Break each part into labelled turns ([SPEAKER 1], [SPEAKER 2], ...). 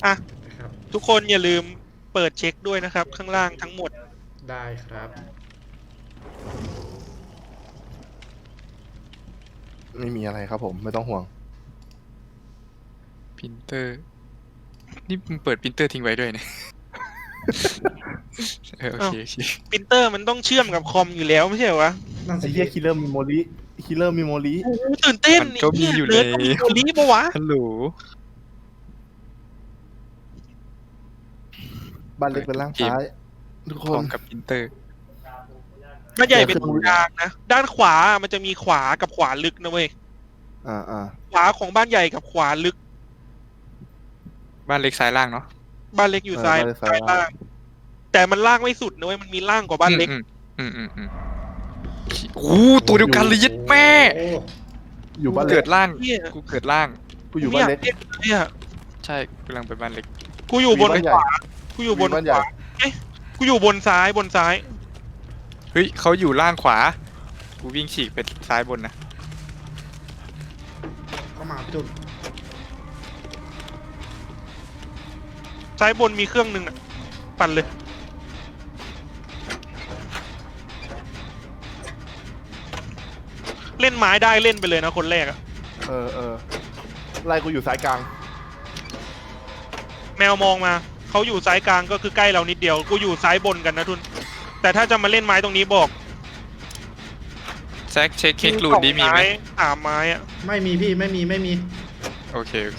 [SPEAKER 1] อ่ะ
[SPEAKER 2] ครับ
[SPEAKER 1] ทุกคนอย่าลืมเปิดเช็คด้วยนะครับข้างล่างทั้งหมด
[SPEAKER 2] ได้ครับ
[SPEAKER 3] ไม่มีอะไรครับผมไม่ต้องห่วง
[SPEAKER 4] พิมพ์เตอร์นี่มึงเปิดพิมพ์เตอร์ทิ้งไว้ด้วยนะโอเคโอเค
[SPEAKER 1] ปรินเตอร์มันต้องเชื่อมกับคอมอยู่แล้วไม่ใช่เหรอวะ
[SPEAKER 2] นั่น
[SPEAKER 3] ไอ้
[SPEAKER 2] สิ
[SPEAKER 3] เหี้ยคิลเลอร์มีโมลีคิลเลอร์มีโมลี
[SPEAKER 1] โอ้โหตื่นเต้น
[SPEAKER 4] มันก็มีอยู่
[SPEAKER 1] เนิร์ด
[SPEAKER 4] แล้ว
[SPEAKER 1] ต้องมีตัวนี้ปะวะ
[SPEAKER 4] ฮัลโหล
[SPEAKER 3] บ้านเล็กเป็นล่างซ้ายทุก
[SPEAKER 4] พ
[SPEAKER 3] ค
[SPEAKER 4] ร้อน มกับพิมพ์เตอร์
[SPEAKER 1] บ้านใหญ่เป็นตรงกลางนะด้านขวามันจะมีขวากับขวาลึกนะเว้ย
[SPEAKER 3] อ่า
[SPEAKER 1] ขวาของบ้านใหญ่กับขวาลึก
[SPEAKER 4] บ้านเล็กซ้ายล่างเนาะ
[SPEAKER 1] บ้านเล็กอยู่ซ้ายซ้ายล่างแต่มันล่างไม่สุดนะเว้ยมันมีล่างกว่าบ้านเล็ก
[SPEAKER 4] โอ้ตัวเดียวกันเลยยัดแม่
[SPEAKER 2] โอ้
[SPEAKER 3] อยู่บ้าน
[SPEAKER 4] กู
[SPEAKER 3] เล็
[SPEAKER 4] เกิ
[SPEAKER 3] ก
[SPEAKER 4] ดล่าง
[SPEAKER 1] เนี่ย
[SPEAKER 4] กูเกิดล่าง
[SPEAKER 3] กูอยู่บ้านเล็ก
[SPEAKER 1] ไม่อยากเนี่ย
[SPEAKER 4] ใช่กำลังไปบ้านเล็ก
[SPEAKER 1] กูอยู่บน
[SPEAKER 3] มีบ้านใหญ่
[SPEAKER 1] ขวากูอยู่บน
[SPEAKER 3] มีบ้าน
[SPEAKER 1] ข
[SPEAKER 3] ใหญ่
[SPEAKER 1] วาเอ๊ะกูอยู่บนซ้ายบนซ้าย
[SPEAKER 4] เฮ้ยเขาอยู่ล่างขวากูวิ่งฉีกไปซ้ายบนนะ
[SPEAKER 2] เข้ามาพี่ตุน
[SPEAKER 1] ซ้ายบนมีเครื่องหนึ่งอ่ะปั่นเลยเล่นไม้ได้เล่นไปเลยนะคนแรกอะ
[SPEAKER 3] เออไล่กูอยู่สายกลาง
[SPEAKER 1] แมวมองมาเขาอยู่ซ้ายกลางก็คือใกล้เรานิดเดียวกูอยู่ซ้ายบนกันนะทุนแต่ถ้าจะมาเล่นไม้ตรงนี้บอก
[SPEAKER 4] แซกเช็คเค้กลูนดีมีไหม
[SPEAKER 1] สามไม้อะ
[SPEAKER 2] ไม่มีพี่ไม่มี
[SPEAKER 4] โอเคโอเค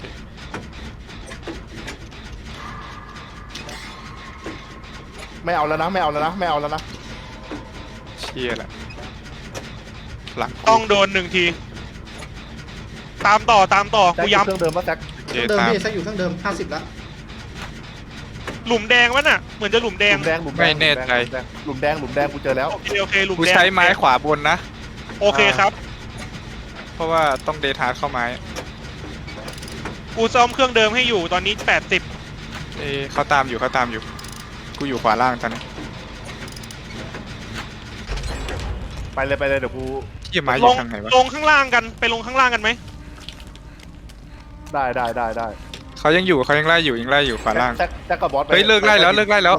[SPEAKER 3] ไม่เอาแล้วนะไม่เอาแล้วนะไม่เอาแล้วนะ
[SPEAKER 4] เชี่ยละหลัง
[SPEAKER 1] ต้องโดนหนึ่งที ตามต่อ
[SPEAKER 3] แจ็ค
[SPEAKER 1] กู
[SPEAKER 3] อยู่
[SPEAKER 1] ย้
[SPEAKER 3] เครื่องเดิมปะแจ็ค
[SPEAKER 4] โอเค
[SPEAKER 2] เครื่องเดิม
[SPEAKER 4] ตาม
[SPEAKER 2] พี่แซกอยู่เครื่องเดิม50แล้ว
[SPEAKER 1] ำหลุมแดงวะน่ะเหมือนจะหลุมแด
[SPEAKER 3] ห
[SPEAKER 1] ง
[SPEAKER 3] ลุมแดงหลุมแด
[SPEAKER 4] ไม่
[SPEAKER 3] ง
[SPEAKER 4] แน่ใจ
[SPEAKER 3] หลุมแดงกูเจอแล้ว
[SPEAKER 1] โอเคหลุม
[SPEAKER 4] กู
[SPEAKER 1] แดง
[SPEAKER 4] ใช้ไม้ขวาบนนะ
[SPEAKER 1] โอเคครับ
[SPEAKER 4] เพราะว่าต้องเดทาร์ดเข้าไม้
[SPEAKER 1] กูซ่อมเครื่องเดิมให้อยู่ตอนนี้80
[SPEAKER 4] เขาตามอยู่กูอยู่ขวาล่างตอนนี้
[SPEAKER 3] ไปเลยเดี๋ยวกู
[SPEAKER 4] เชี่ยไม้อ
[SPEAKER 1] ล
[SPEAKER 4] ยู่
[SPEAKER 1] ง
[SPEAKER 4] ทางไหนวะ
[SPEAKER 1] ลงข้างล่างกันไปลงข้างล่างกันไหม
[SPEAKER 3] ได้
[SPEAKER 4] เขายังอยู่เขายังไล่อยู่ขวาล่าง
[SPEAKER 3] แจ็คกับบอสไป
[SPEAKER 4] เฮ้ยเลิกไล่แล้ว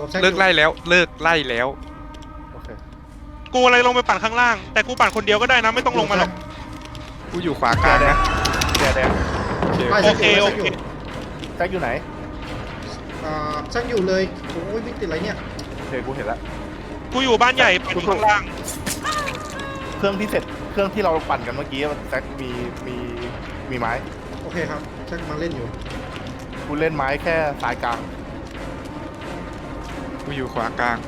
[SPEAKER 3] โอเค
[SPEAKER 1] กูอะไรลงไปปั่นข้างล่าง แต่กูปั่นคนเดียวก็ได้นะไม่ต้องลงมาหรอก
[SPEAKER 4] กูอยู่ขวากลางนะ
[SPEAKER 3] แดง
[SPEAKER 4] โอเค
[SPEAKER 2] ได้
[SPEAKER 1] โอ
[SPEAKER 2] แซก
[SPEAKER 1] เค
[SPEAKER 2] อยู่
[SPEAKER 3] แจ็คอยู่ไหน
[SPEAKER 2] แซกอยู่เลยโอ้ยไม่ติดอะไรเนี่ย
[SPEAKER 3] โอเคกูเห็นแล้ว
[SPEAKER 1] กูอยู่บ้านใหญ่ปั่นอยู่ข้างล่าง
[SPEAKER 3] เครื่องที่เสร็จเครื่องที่เราปั่นกันเมื่อกี้แจ็คมีไม้
[SPEAKER 2] โอเคครับแซกมาเล่นอยู่
[SPEAKER 3] กูเล่นไม้แค่สายกลาง
[SPEAKER 4] กูอยู่ขวากลาง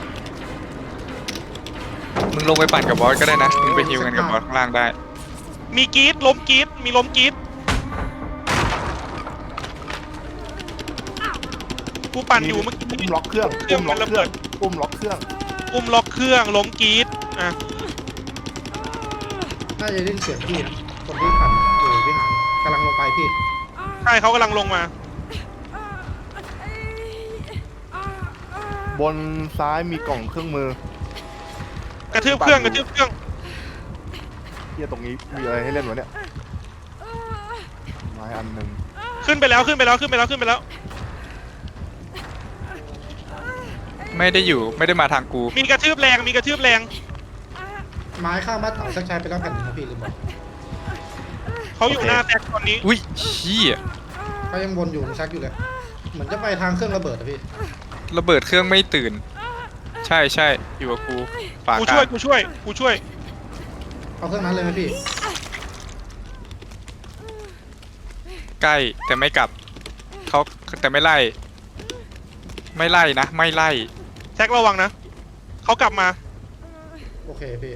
[SPEAKER 4] มึงลงไปปั่นกับบอสก็ได้นะมึงไปฮิวกันกับบอสข้างล่างได้
[SPEAKER 1] มีกรีดล้มกรีดมีล้มกรีดกูปั่นอยู่เมื่อกี้
[SPEAKER 3] อุ้มล็อกเครื่อง
[SPEAKER 1] เครื่องมันระเบิด
[SPEAKER 3] อุ้มล็อกเครื่อง
[SPEAKER 1] อุ้มล็อกเครื่องล้มกรีดอ่ะ
[SPEAKER 2] น่าจะได้ยินเสียงพี่นะคนที่ขับอยู่พี่หางกำลังลงไปพี่
[SPEAKER 1] ใช่เขากำลังลงมา
[SPEAKER 3] บนซ้ายมีกล่องเครื่องมือ
[SPEAKER 1] กระทืบเครื่อง
[SPEAKER 3] เฮียตรงนี้มีอะไรให้เล่นวะเนี่ยไม้อันหนึ่ง
[SPEAKER 1] ขึ้นไปแล้ว
[SPEAKER 4] ไม่ได้มาทางกู
[SPEAKER 1] มีกระทืบแรง
[SPEAKER 2] ไม้ข้างบ้านเต่าแซกใช้ไปแล้วแผ่นหนึงนะพี่ลืมบอก
[SPEAKER 1] เขาอยู่หน้าแท็กตอนนี้
[SPEAKER 4] อุ้ยเชี่ย
[SPEAKER 2] เขายังวนอยู่แซกอยู่เลยเหมือนจะไปทางเครื่องระเบิดอะพี่
[SPEAKER 4] ระเบิดเครื่องไม่ตื่น ใช่อยู่กับกูขวา
[SPEAKER 1] กู
[SPEAKER 4] กลา
[SPEAKER 1] ช่วย
[SPEAKER 4] ง
[SPEAKER 2] เอาเครื่องนั้นเลยไหมพี่
[SPEAKER 4] ใกล้แต่ไม่กลับเขาแต่ไม่ไล่นะ ไม่ไล่
[SPEAKER 1] แท็กระวังนะเขากลับมา
[SPEAKER 2] โอเคพี่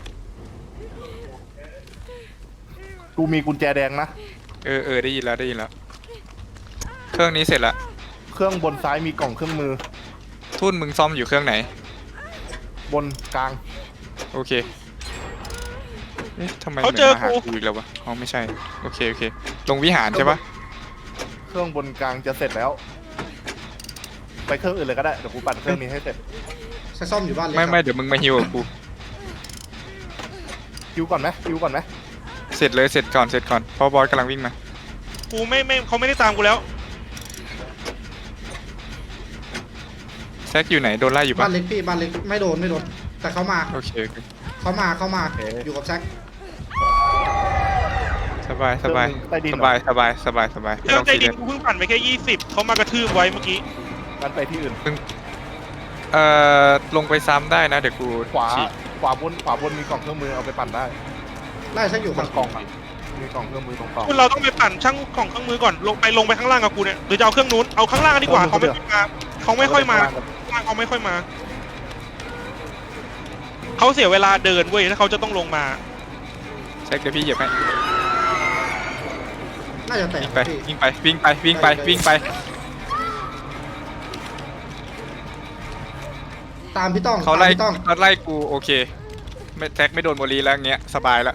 [SPEAKER 3] กูมีกุญแจแดงนะ
[SPEAKER 4] ได้ยินแล้วเครื่องนี้เสร็จละ
[SPEAKER 3] เครื่องบนซ้ายมีกล่องเครื่องมือ
[SPEAKER 4] ทุ่นมึงซ่อมอยู่เครื่องไหน
[SPEAKER 3] บนกลาง
[SPEAKER 4] โอเคเอ๊ะทำไม
[SPEAKER 1] เขาเจอ
[SPEAKER 4] หมืนมาหา
[SPEAKER 1] กู
[SPEAKER 4] กูอีกแล้ววะอ๋อไม่ใช่โอเคลงวิหารใช่ปะ
[SPEAKER 3] เครื่องบนกลางจะเสร็จแล้ว ไปเครื่องอื่นเลยก็ได้เดี๋ยวกูปั่นเครื่องนี้ให้เสร็จ
[SPEAKER 2] แซกซ่อมอยู่บ้านเล็ก
[SPEAKER 4] ไม่
[SPEAKER 2] ครับ
[SPEAKER 4] เดี๋ยวมึงมาฮิวกับกู
[SPEAKER 3] คิวก่อนไหม
[SPEAKER 4] เสร็จก่อนเพราะบอสกำลังวิ่งมา
[SPEAKER 1] กูไม่เขาไม่ได้ตามกูแล้ว
[SPEAKER 4] ซกอยู่ไหนโดนไล่อยู่
[SPEAKER 2] บ้า
[SPEAKER 4] ปะ
[SPEAKER 2] นเล็กพี่บ้านเล็กไม่โดนแต่เขามา
[SPEAKER 4] โอเคโอเค
[SPEAKER 2] อยู่กับแซก
[SPEAKER 4] สบายสบาย
[SPEAKER 3] ใต้ดิน
[SPEAKER 4] ส
[SPEAKER 3] เหรอ
[SPEAKER 4] บายสบายสบายสบายไม่
[SPEAKER 1] เครื่อ
[SPEAKER 4] ต้อง ง
[SPEAKER 1] ใจ
[SPEAKER 4] ซี
[SPEAKER 1] ดิ
[SPEAKER 4] เรีย
[SPEAKER 1] น
[SPEAKER 4] ส
[SPEAKER 1] กูเพิ่งปั่นไปแค่20เขามากระทืบไว้เมื่อกี้
[SPEAKER 3] งั้นไปที่อื่น
[SPEAKER 4] ลงไปซ้ำได้นะเดี๋ยวกู
[SPEAKER 3] ขวา
[SPEAKER 4] ฉีก
[SPEAKER 3] ขวาบนมีกล่องเครื่องมือเอาไปปั่นได้
[SPEAKER 2] ไล่แซกอยู่
[SPEAKER 3] มันกล่องอ่ะมีกล่องเครื่องมือตรงกล่อง
[SPEAKER 1] คุณเราต้องไปปั่นช่างของเครื่องมือก่อนลงไปข้างล่างกับกูเนี่ยหรือจะเอาเครื่องนู้นเอาข้างล่างดีกว่าเขาไม่ค่อยมาเขาไม่ค่อยมาเขาไม่ค่อยมาเขาเสียเวลาเดินเว้ยถ้าเขาจะต้องลงมา
[SPEAKER 4] แซกเดี๋ยวพี่เหยียบให้
[SPEAKER 2] น่าจะแตก
[SPEAKER 4] วิ่งไป
[SPEAKER 2] พี่
[SPEAKER 4] วิ่งไปวิ่งไปวิ่งไปวิ่งไป
[SPEAKER 2] ตามพี่ต้อง
[SPEAKER 4] เขาไล่
[SPEAKER 2] ตามพี่ต้อง
[SPEAKER 4] เขาไล่กูโอเคไม่แซกไม่โดนโมลีแล้วเงี้ยสบายแล้ว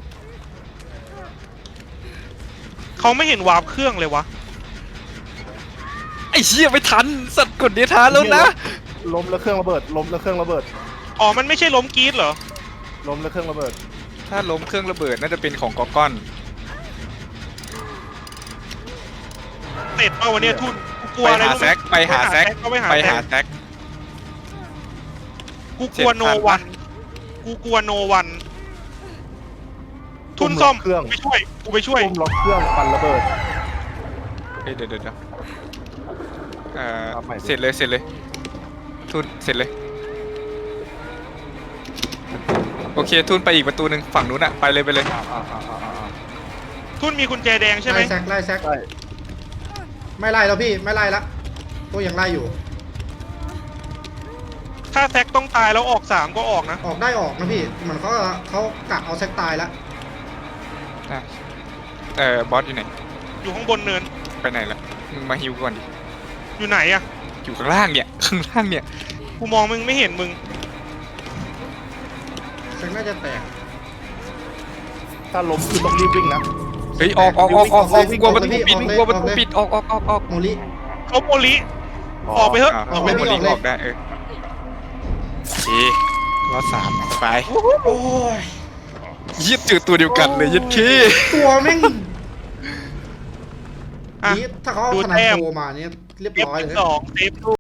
[SPEAKER 1] เขาไม่เห็นวาร์ปเครื่องเลยวะ
[SPEAKER 4] ไอ้เชี่ยไม่ทันสัตว์กดเดียทานแล้วนะ
[SPEAKER 3] ล้มแล้วเครื่องระเบิดล้มแล้วเครื่องระเบิด
[SPEAKER 1] อ๋อมันไม่ใช่ล้มกรีดเหรอ
[SPEAKER 3] ล้มแล้วเครื่องระเบิด
[SPEAKER 4] ถ้าล้มเครื่องระเบิดน่าจะเป็นของกอก้อน
[SPEAKER 1] เสร็จเอาวันนี้ทุนกูกลัว
[SPEAKER 4] ไป
[SPEAKER 1] อะไร
[SPEAKER 4] หา
[SPEAKER 1] รู้
[SPEAKER 4] แซ
[SPEAKER 1] ไหม
[SPEAKER 4] กไปหาแซก
[SPEAKER 1] เขาไปหา
[SPEAKER 4] ไป
[SPEAKER 1] แซ
[SPEAKER 4] หาก แซก
[SPEAKER 1] กูกลัว
[SPEAKER 4] เจ็ด
[SPEAKER 1] โน
[SPEAKER 4] พัน
[SPEAKER 1] วันกูกลัวโนวันทุนซ่อม
[SPEAKER 3] เครื่อง
[SPEAKER 1] กูไปช่วย
[SPEAKER 3] ทุ่มล็อกเครื่องปั่นระเบิด
[SPEAKER 4] เฮ้ยเดี๋ยว
[SPEAKER 3] เอาใหม่ดิ
[SPEAKER 4] เสร็จเลยทุนเสร็จเลยโอเคทุนไปอีกประตูหนึ่งฝั่งนู้นอะไปเลย
[SPEAKER 1] ทุนมีกุญแจแดงใช่ไหม
[SPEAKER 2] ไล่แซก
[SPEAKER 3] ใช่
[SPEAKER 2] ไม่ไล่แล้วพี่ไม่ไล่ละตัวยังไล่อยู่
[SPEAKER 1] ถ้าแซกต้องตายแล้วออก3ก็ออกนะ
[SPEAKER 2] ออกได้ออกนะพี่เหมือนเขากะเอาแซกตายแล้ว
[SPEAKER 4] อ่ะบอสอยู่ไหน
[SPEAKER 1] อยู่ข้างบนเนิน
[SPEAKER 4] ไปไหนละมึงมาฮิวก่อนดิ
[SPEAKER 1] อยู่ไหนอะ
[SPEAKER 4] อยู่ข้างล่างเนี่ยข้างล่างเนี่ย
[SPEAKER 1] กูมองมึงไม่เห็นมึง
[SPEAKER 2] แซกน่าจะแตก
[SPEAKER 3] ถ้าล้มคือต้องรีบวิ่งนะ
[SPEAKER 4] เฮ้ยออกกลัวประตูปิดกลัวประตูปิดออก
[SPEAKER 2] โมลิ
[SPEAKER 1] เขาโมลิออกไปเถอะ
[SPEAKER 2] ออกเลย
[SPEAKER 4] โมลี
[SPEAKER 2] ออกเลย
[SPEAKER 4] ออกได้โอเครอด3ไป
[SPEAKER 2] โอ้ย
[SPEAKER 4] ยึดจืดตัวเดียวกันเลยยึดขี้
[SPEAKER 2] ตัวแม่ง
[SPEAKER 1] อ่ะ
[SPEAKER 2] นี่ถ้าเขาเอา
[SPEAKER 1] ดู
[SPEAKER 2] ขนาด
[SPEAKER 1] แต้ม
[SPEAKER 2] โทรมาเนี่ยเรียบ
[SPEAKER 1] เอฟ
[SPEAKER 2] ร้อยเลย
[SPEAKER 1] 2เซฟ